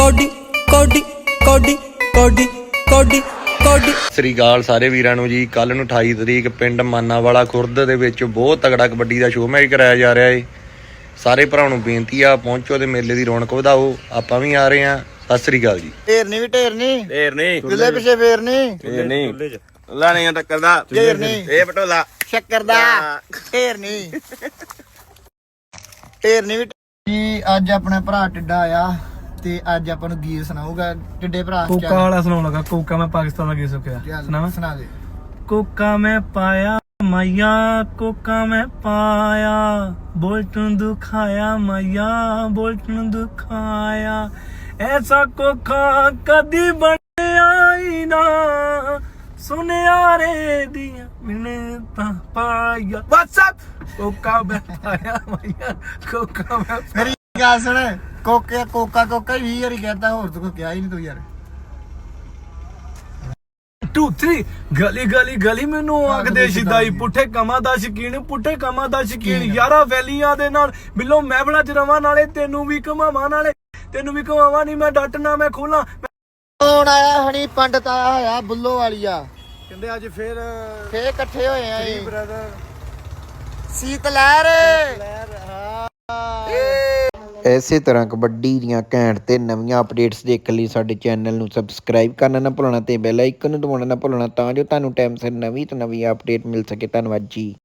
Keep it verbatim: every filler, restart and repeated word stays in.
Cody ਕੋਡੀ ਕੋਡੀ ਕੋਡੀ ਕੋਡੀ ਕੋਡੀ। ਸ੍ਰੀ ਅਕਾਲ ਸਾਰੇ ਵੀਰਾਂ ਨੂੰ ਜੀ। ਕੱਲ ਨੂੰ ਅਠਾਈ ਤਰੀਕ ਪਿੰਡ ਮਾਨਾਵਾਲਾ ਖੁਰਦ ਦੇ ਵਿੱਚ ਬਹੁਤ ਤਗੜਾ ਕਬੱਡੀ ਦਾ ਸ਼ੋਅ ਮੈਚ ਕਰਾਇਆ ਜਾ ਰਿਹਾ ਏ। ਸਾਰੇ ਭਰਾਵਾਂ ਨੂੰ ਬੇਨਤੀ ਆ, ਪਹੁੰਚੋ ਤੇ ਮੇਲੇ ਦੀ ਰੌਣਕ ਵਧਾਓ। ਆਪਾਂ ਵੀ ਆ ਰਹੇ ਆ। ਸਤਿ ਸ੍ਰੀ ਅਕਾਲ ਜੀ। ਢੇਰਨੀ ਵੀ ਢੇਰਨੀ ਢੇਰਨੀ ਗੁੱਲੇ ਪਿੱਛੇ ਫੇਰਨੀ ਢੇਰਨੀ ਲਾਣੀਆਂ ਟੱਕਰ ਦਾ ਢੇਰਨੀ ਇਹ ਪਟੋਲਾ ਸ਼ੱਕਰ ਦਾ ਢੇਰਨੀ ਢੇਰਨੀ ਵੀ ਜੀ। ਅੱਜ ਆਪਣਾ ਭਰਾ ਟਿੱਡਾ ਆਇਆ ਤੇ ਅੱਜ ਆਪਾਂ ਨੂੰ ਗੀਤ ਸੁਣਾਊਗਾ। ਟਿੱਡੇ ਭਰਾ ਕੋਕਾ ਵਾਲਾ ਸੁਣਾਉਣ ਲੱਗਾ। ਕੋਕਾ ਮੈਂ ਪਾਕਿਸਤਾਨ ਦਾ ਗੀਤ ਸੁਣਿਆ। ਸੁਣਾਵਾਂ? ਸੁਣਾ ਦੇ। ਕੋਕਾ ਮੈਂ ਪਾਇਆ ਮਾਇਆ, ਕੋਕਾ ਮੈਂ ਪਾਇਆ, ਬੁਲਟ ਨੂੰ ਦੁਖਾਇਆ ਮਾਇਆ, ਬੁਲਟ ਨੂੰ ਦੁਖਾਇਆ। ਐਸਾ ਕੋਕਾ ਕਦੀ ਬਣਿਆ ਹੀ ਨਾ, ਸੁਨਿਆਰੇ ਦੀਆਂ ਮਿੰਨਤਾਂ ਪਾਇਆ। WhatsApp ਕੋਕਾ ਮੈਂ ਪਾਇਆ ਮਾਇਆ, ਕੋਕਾ ਮੈਂ ਮੇਰੀ ਗੱਲ ਸੁਣ। ਕੋਕਾ ਕੋਕਾ ਕੋਕਾ ਵੀਹ ਵਾਰੀ ਕਹਿੰਦਾ, ਹੋਰ ਤੂੰ ਕੋਈ ਕਿਹਾ ਹੀ ਨਹੀਂ ਤੂੰ ਯਾਰ। ਟੂ ਥ੍ਰੀ ਗਲੀ ਗਲੀ ਗਲੀ ਮੈਨੂੰ ਆਖਦੇ ਸ਼ਿਦਾਈ, ਪੁੱਠੇ ਕਮਾਂ ਦਾ ਸ਼ਕੀਨ, ਪੁੱਠੇ ਕਮਾਂ ਦਾ ਸ਼ਕੀਨ। ਯਾਰਾਂ ਵੈਲੀਆਂ ਦੇ ਨਾਲ ਬਿੱਲੋ ਮਹਿਫਲਾਂ ਚ ਰਵਾਂ, ਨਾਲੇ ਤੈਨੂੰ ਵੀ ਘਮਾਵਾਂ, ਨਾਲੇ ਤੈਨੂੰ ਵੀ ਘਮਾਵਾਂ। ਨਹੀਂ ਮੈਂ ਡਟਣਾ ਮੈਂ ਖੋਲਾਂ। ਕੌਣ ਆਇਆ? ਹਣੀ ਪੰਡਤ ਆਇਆ ਹੋਇਆ ਬੁੱਲੋ ਵਾਲੀਆ। ਕਹਿੰਦੇ ਅੱਜ ਫੇਰ ਫੇਰ ਇਕੱਠੇ ਹੋਏ ਆ ਜੀ ਬ੍ਰਦਰ ਸੀਤ ਲਹਿਰ। ਇਸੇ ਤਰ੍ਹਾਂ ਕਬੱਡੀ ਦੀਆਂ ਘੈਂਟ ਤੇ ਨਵੀਆਂ ਅਪਡੇਟਸ ਦੇਖਣ ਲਈ ਸਾਡੇ ਚੈਨਲ ਨੂੰ ਸਬਸਕ੍ਰਾਈਬ ਕਰਨਾ ਨਾ ਭੁੱਲਣਾ ਤੇ ਬੈਲ ਆਈਕਨ ਨੂੰ ਦਬਾਉਣਾ ਨਾ ਭੁੱਲਣਾ, ਤਾਂ ਜੋ ਤੁਹਾਨੂੰ ਟਾਈਮ ਸਿਰ ਨਵੀਂ ਤੋਂ ਨਵੀਂ ਅਪਡੇਟ ਮਿਲ ਸਕੇ। ਧੰਨਵਾਦ ਜੀ।